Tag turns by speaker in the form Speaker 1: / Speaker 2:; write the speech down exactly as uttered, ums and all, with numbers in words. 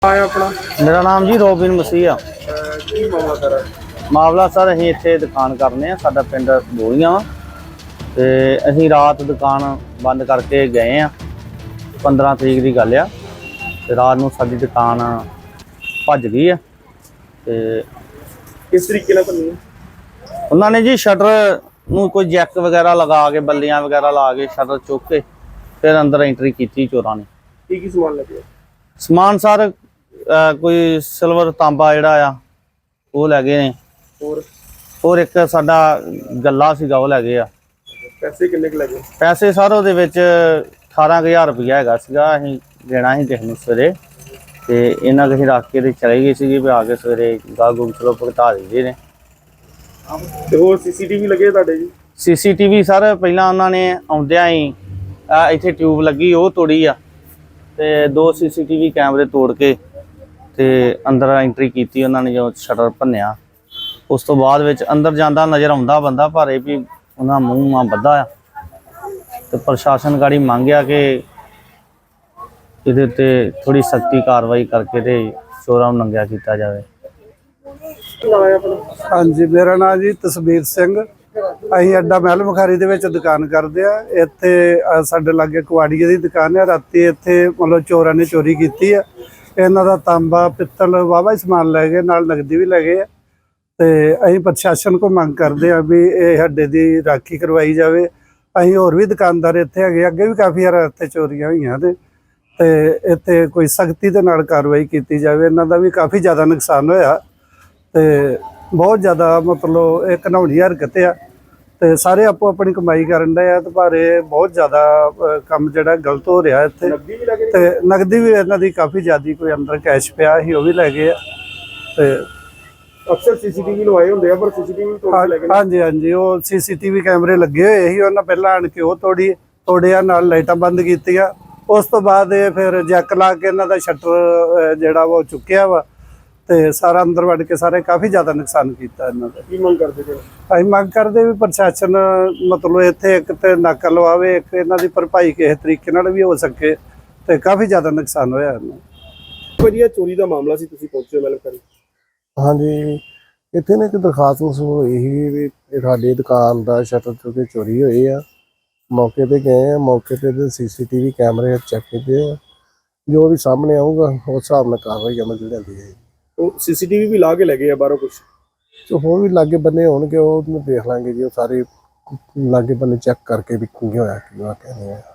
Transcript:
Speaker 1: ਆਇਆ ਆਪਣਾ
Speaker 2: मेरा नाम जी रोबिन मसीह आ।
Speaker 1: ਕੀ ਮਾਮਲਾ ਸਰ?
Speaker 2: ਮਾਮਲਾ ਸਰ ਅਸੀਂ ਇੱਥੇ ਦੁਕਾਨ ਕਰਨੇ ਆ, ਸਾਡਾ ਪਿੰਡ ਬੋਲੀਆਂ ਵਾ ਤੇ ਅਸੀਂ ਰਾਤ ਦੁਕਾਨ ਬੰਦ ਕਰਕੇ ਗਏ ਆ। ਪੰਦਰਾਂ ਤਰੀਕ ਦੀ ਗੱਲ ਆ ਤੇ ਰਾਤ ਨੂੰ ਸਾਡੀ ਦੁਕਾਨ ਭੱਜ ਗਈ ਆ ਤੇ
Speaker 1: ਕਿਸ ਤਰੀਕੇ ਨਾਲ ਬੰਨੀ?
Speaker 2: ਉਹਨਾਂ ਨੇ ਜੀ ਸ਼ਟਰ ਨੂੰ ਕੋਈ ਜੈਕ ਵਗੈਰਾ ਲਗਾ ਕੇ ਬੱਲੀਆਂ ਵਗੈਰਾ ਲਾ ਕੇ ਸ਼ਟਰ ਚੁੱਕ ਕੇ ਫਿਰ ਅੰਦਰ ਐਂਟਰੀ ਕੀਤੀ ਚੋਰਾਂ ਨੇ।
Speaker 1: ਕੀ ਕੀ ਸਮਾਨ ਲੱਗਿਆ?
Speaker 2: ਸਮਾਨ ਸਰ ਕੋਈ ਸਿਲਵਰ ਤਾਂਬਾ ਜਿਹੜਾ ਆ ਉਹ ਲੈ ਗਏ ਨੇ,
Speaker 1: ਹੋਰ
Speaker 2: ਹੋਰ ਇੱਕ ਸਾਡਾ ਗੱਲਾ ਸੀਗਾ ਉਹ ਲੈ ਗਏ ਆ।
Speaker 1: ਪੈਸੇ ਕਿੰਨੇ ਕੁ ਲੱਗੇ?
Speaker 2: ਪੈਸੇ ਸਰ ਉਹਦੇ ਵਿੱਚ ਅਠਾਰਾਂ ਕੁ ਹਜ਼ਾਰ ਰੁਪਈਆ ਹੈਗਾ ਸੀਗਾ। ਅਸੀਂ ਦੇਣਾ ਸੀ ਕਿਸੇ ਨੂੰ ਸਵੇਰੇ ਤੇ ਇਹਨਾਂ ਕਿਸੇ ਰੱਖ ਕੇ ਤੇ ਚਲੇ ਗਏ ਸੀਗੇ ਵੀ ਆ ਕੇ ਸਵੇਰੇ ਗਾਹ ਗੁੰਮ ਚਲੋ ਭੁਗਤਾ ਦਿੰਦੇ ਨੇ।
Speaker 1: ਤੇ ਹੋਰ ਸੀਸੀਟੀਵੀ ਲੱਗੇ ਤੁਹਾਡੇ ਜੀ?
Speaker 2: ਸੀਸੀਟੀਵੀ ਸਰ ਪਹਿਲਾਂ ਉਹਨਾਂ ਨੇ ਆਉਂਦਿਆਂ ਹੀ ਇੱਥੇ ਟਿਊਬ ਲੱਗੀ ਉਹ ਤੋੜੀ ਆ ਤੇ ਦੋ ਸੀਸੀਟੀਵੀ ਕੈਮਰੇ ਤੋੜ ਕੇ ਤੇ ਅੰਦਰ ਐਂਟਰੀ ਕੀਤੀ ਉਹਨਾਂ ਨੇ। ਜੋ ਸ਼ਟਰ ਭੰਨਿਆ ਉਸ ਤੋਂ ਬਾਅਦ ਵਿੱਚ ਅੰਦਰ ਜਾਂਦਾ ਨਜ਼ਰ ਆਉਂਦਾ ਬੰਦਾ, ਪਰ ਇਹ ਵੀ ਉਹਨਾਂ ਮੂੰਹ ਮਾਂ ਬੱਧਾ ਆ ਤੇ ਪ੍ਰਸ਼ਾਸਨ ਗਾੜੀ ਮੰਗਿਆ ਕਿ ਇਹਦੇ ਤੇ ਥੋੜੀ ਸਖਤੀ ਕਾਰਵਾਈ ਕਰਕੇ ਤੇ ਚੋਰਾਂ ਨੂੰ ਨੰਗਿਆ ਕੀਤਾ ਜਾਵੇ।
Speaker 3: हाँ जी, मेरा नाम जी तसबीर सिंह। ਅਸੀਂ ਅੱਡਾ ਮਹਿਲ ਮੁਖਾਰੀ ਦੇ ਵਿੱਚ ਦੁਕਾਨ ਕਰਦੇ ਆ। ਇੱਥੇ ਸਾਡੇ ਲਾਗੇ ਕੁਆੜੀਏ ਦੀ ਦੁਕਾਨ ਹੈ। ਰਾਤੀ ਇੱਥੇ ਮਤਲਬ ਚੋਰਾਂ ਨੇ ਚੋਰੀ ਕੀਤੀ ਆ। ਇਹਨਾਂ ਦਾ ਤਾਂਬਾ ਪਿੱਤਲ ਵਾਵਾ ਹੀ ਸਮਾਨ ਲੈ ਗਏ, ਨਾਲ ਨਗਦੀ ਵੀ ਲੈ ਗਏ ਆ ਤੇ ਅਸੀਂ ਪ੍ਰਸ਼ਾਸਨ ਕੋ ਮੰਗ ਕਰਦੇ ਆ ਵੀ ਇਹ ਅੱਡੇ ਦੀ ਰਾਖੀ ਕਰਵਾਈ ਜਾਵੇ। ਅਸੀਂ ਹੋਰ ਵੀ ਦੁਕਾਨਦਾਰ ਇੱਥੇ ਹੈਗੇ, ਅੱਗੇ ਵੀ ਕਾਫੀ ਵਾਰ ਇੱਥੇ ਚੋਰੀਆਂ ਹੋਈਆਂ ਤੇ ਤੇ ਇੱਥੇ ਕੋਈ ਸਖਤੀ ਦੇ ਨਾਲ ਕਾਰਵਾਈ ਕੀਤੀ ਜਾਵੇ। ਇਹਨਾਂ ਦਾ ਵੀ ਕਾਫੀ ਜ਼ਿਆਦਾ ਨੁਕਸਾਨ ਹੋਇਆ ਤੇ ਬਹੁਤ ਜ਼ਿਆਦਾ ਮਤਲਬ ਇਹ ਘਿਨਾਉਣੀ ਹਰਕਤ ਆ ਤੇ ਸਾਰੇ ਆਪੋ ਆਪਣੀ ਕਮਾਈ ਕਰਨ ਦੇ ਆ ਤੇ ਪਰ ਇਹ ਬਹੁਤ ਜ਼ਿਆਦਾ ਕੰਮ ਜਿਹੜਾ ਗਲਤ ਹੋ ਰਿਹਾ ਇੱਥੇ। ਤੇ ਨਗਦੀ ਵੀ ਇਹਨਾਂ ਦੀ ਕਾਫੀ ਜ਼ਿਆਦੀ, ਕੋਈ ਅੰਦਰ ਕੈਸ਼ ਪਿਆ ਸੀ ਉਹ ਵੀ ਲੈ ਗਏ ਆ ਤੇ
Speaker 1: ਅਕਸਰ ਸੀਸੀਟੀਵੀ ਲਵਾਏ ਹੁੰਦੇ ਆ ਪਰ ਸੀਸੀਟੀਵੀ ਤੋੜ ਕੇ ਲੈ ਗਏ।
Speaker 3: ਹਾਂਜੀ ਹਾਂਜੀ, ਉਹ ਸੀਸੀਟੀਵੀ ਕੈਮਰੇ ਲੱਗੇ ਹੋਏ ਸੀ, ਉਹਨਾਂ ਪਹਿਲਾਂ ਆਣ ਕੇ ਉਹ ਤੋੜੀ ਤੋੜਿਆ, ਨਾਲ ਲਾਈਟਾਂ ਬੰਦ ਕੀਤੀਆਂ। ਉਸ ਤੋਂ ਬਾਅਦ ਇਹ ਫਿਰ ਜੈਕ ਲਾ ਕੇ ਇਹਨਾਂ ਦਾ ਸ਼ਟਰ ਜਿਹੜਾ ਉਹ ਚੁੱਕਿਆ ਵਾ ਤੇ ਸਾਰਾ ਅੰਦਰ ਵੜ ਕੇ ਸਾਰੇ ਕਾਫੀ ਜ਼ਿਆਦਾ ਨੁਕਸਾਨ ਕੀਤਾ ਇਹਨਾਂ ਦਾ।
Speaker 1: ਕੀ ਮੰਗ ਕਰਦੇ ਜੀ?
Speaker 3: ਅਸੀਂ ਮੰਗ ਕਰਦੇ ਵੀ ਪ੍ਰਸ਼ਾਸਨ ਮਤਲਬ ਇੱਥੇ ਇੱਕ ਤੇ ਨਾਕਾ ਲਵਾਵੇ, ਇੱਕ ਇਹਨਾਂ ਦੀ ਭਰਪਾਈ ਕਿਸੇ ਤਰੀਕੇ ਨਾਲ ਵੀ ਹੋ ਸਕੇ ਤੇ ਕਾਫੀ ਜ਼ਿਆਦਾ ਨੁਕਸਾਨ ਹੋਇਆ ਇਹਨਾਂ।
Speaker 1: ਵਧੀਆ ਚੋਰੀ ਦਾ ਮਾਮਲਾ ਸੀ, ਤੁਸੀਂ ਪਹੁੰਚੇ ਮਹਿਲ ਮੁਖਾਰੀ?
Speaker 4: ਹਾਂਜੀ, ਇੱਥੇ ਨਾ ਇੱਕ ਦਰਖਾਸਤ ਮਸੂਲ ਹੋਈ ਸੀ ਵੀ ਸਾਡੀ ਦੁਕਾਨ ਦਾ ਸ਼ਟਰ ਚੁੱਕ ਕੇ ਚੋਰੀ ਹੋਈ ਆ। ਮੌਕੇ ਤੇ ਗਏ ਆ, ਮੌਕੇ ਤੇ ਸੀਸੀਟੀਵੀ ਕੈਮਰੇ ਚੈੱਕ ਕੀਤੇ ਆ। ਜੋ ਵੀ ਸਾਹਮਣੇ ਆਊਗਾ ਉਸ ਹਿਸਾਬ ਨਾਲ ਕਾਰਵਾਈ ਅਮਲ ਚ ਲਿਆਂਦੀ ਹੈ। ਉਹ
Speaker 1: ਸੀਸੀਟੀਵੀ ਵੀ ਲਾ ਕੇ ਲੈ ਗਏ ਆ ਬਾਹਰੋਂ ਕੁਛ?
Speaker 4: ਜੋ ਹੋਰ ਵੀ ਲਾਗੇ ਬੰਨੇ ਹੋਣਗੇ ਉਹ ਦੇਖ ਲਾਂਗੇ ਜੀ। ਉਹ ਸਾਰੇ ਲਾਗੇ ਬੰਨੇ ਚੈੱਕ ਕਰਕੇ ਵੀ ਕੀ ਹੋਇਆ ਕੀ ਵਾਕਿਆ ਨਹੀਂ ਹੋਇਆ।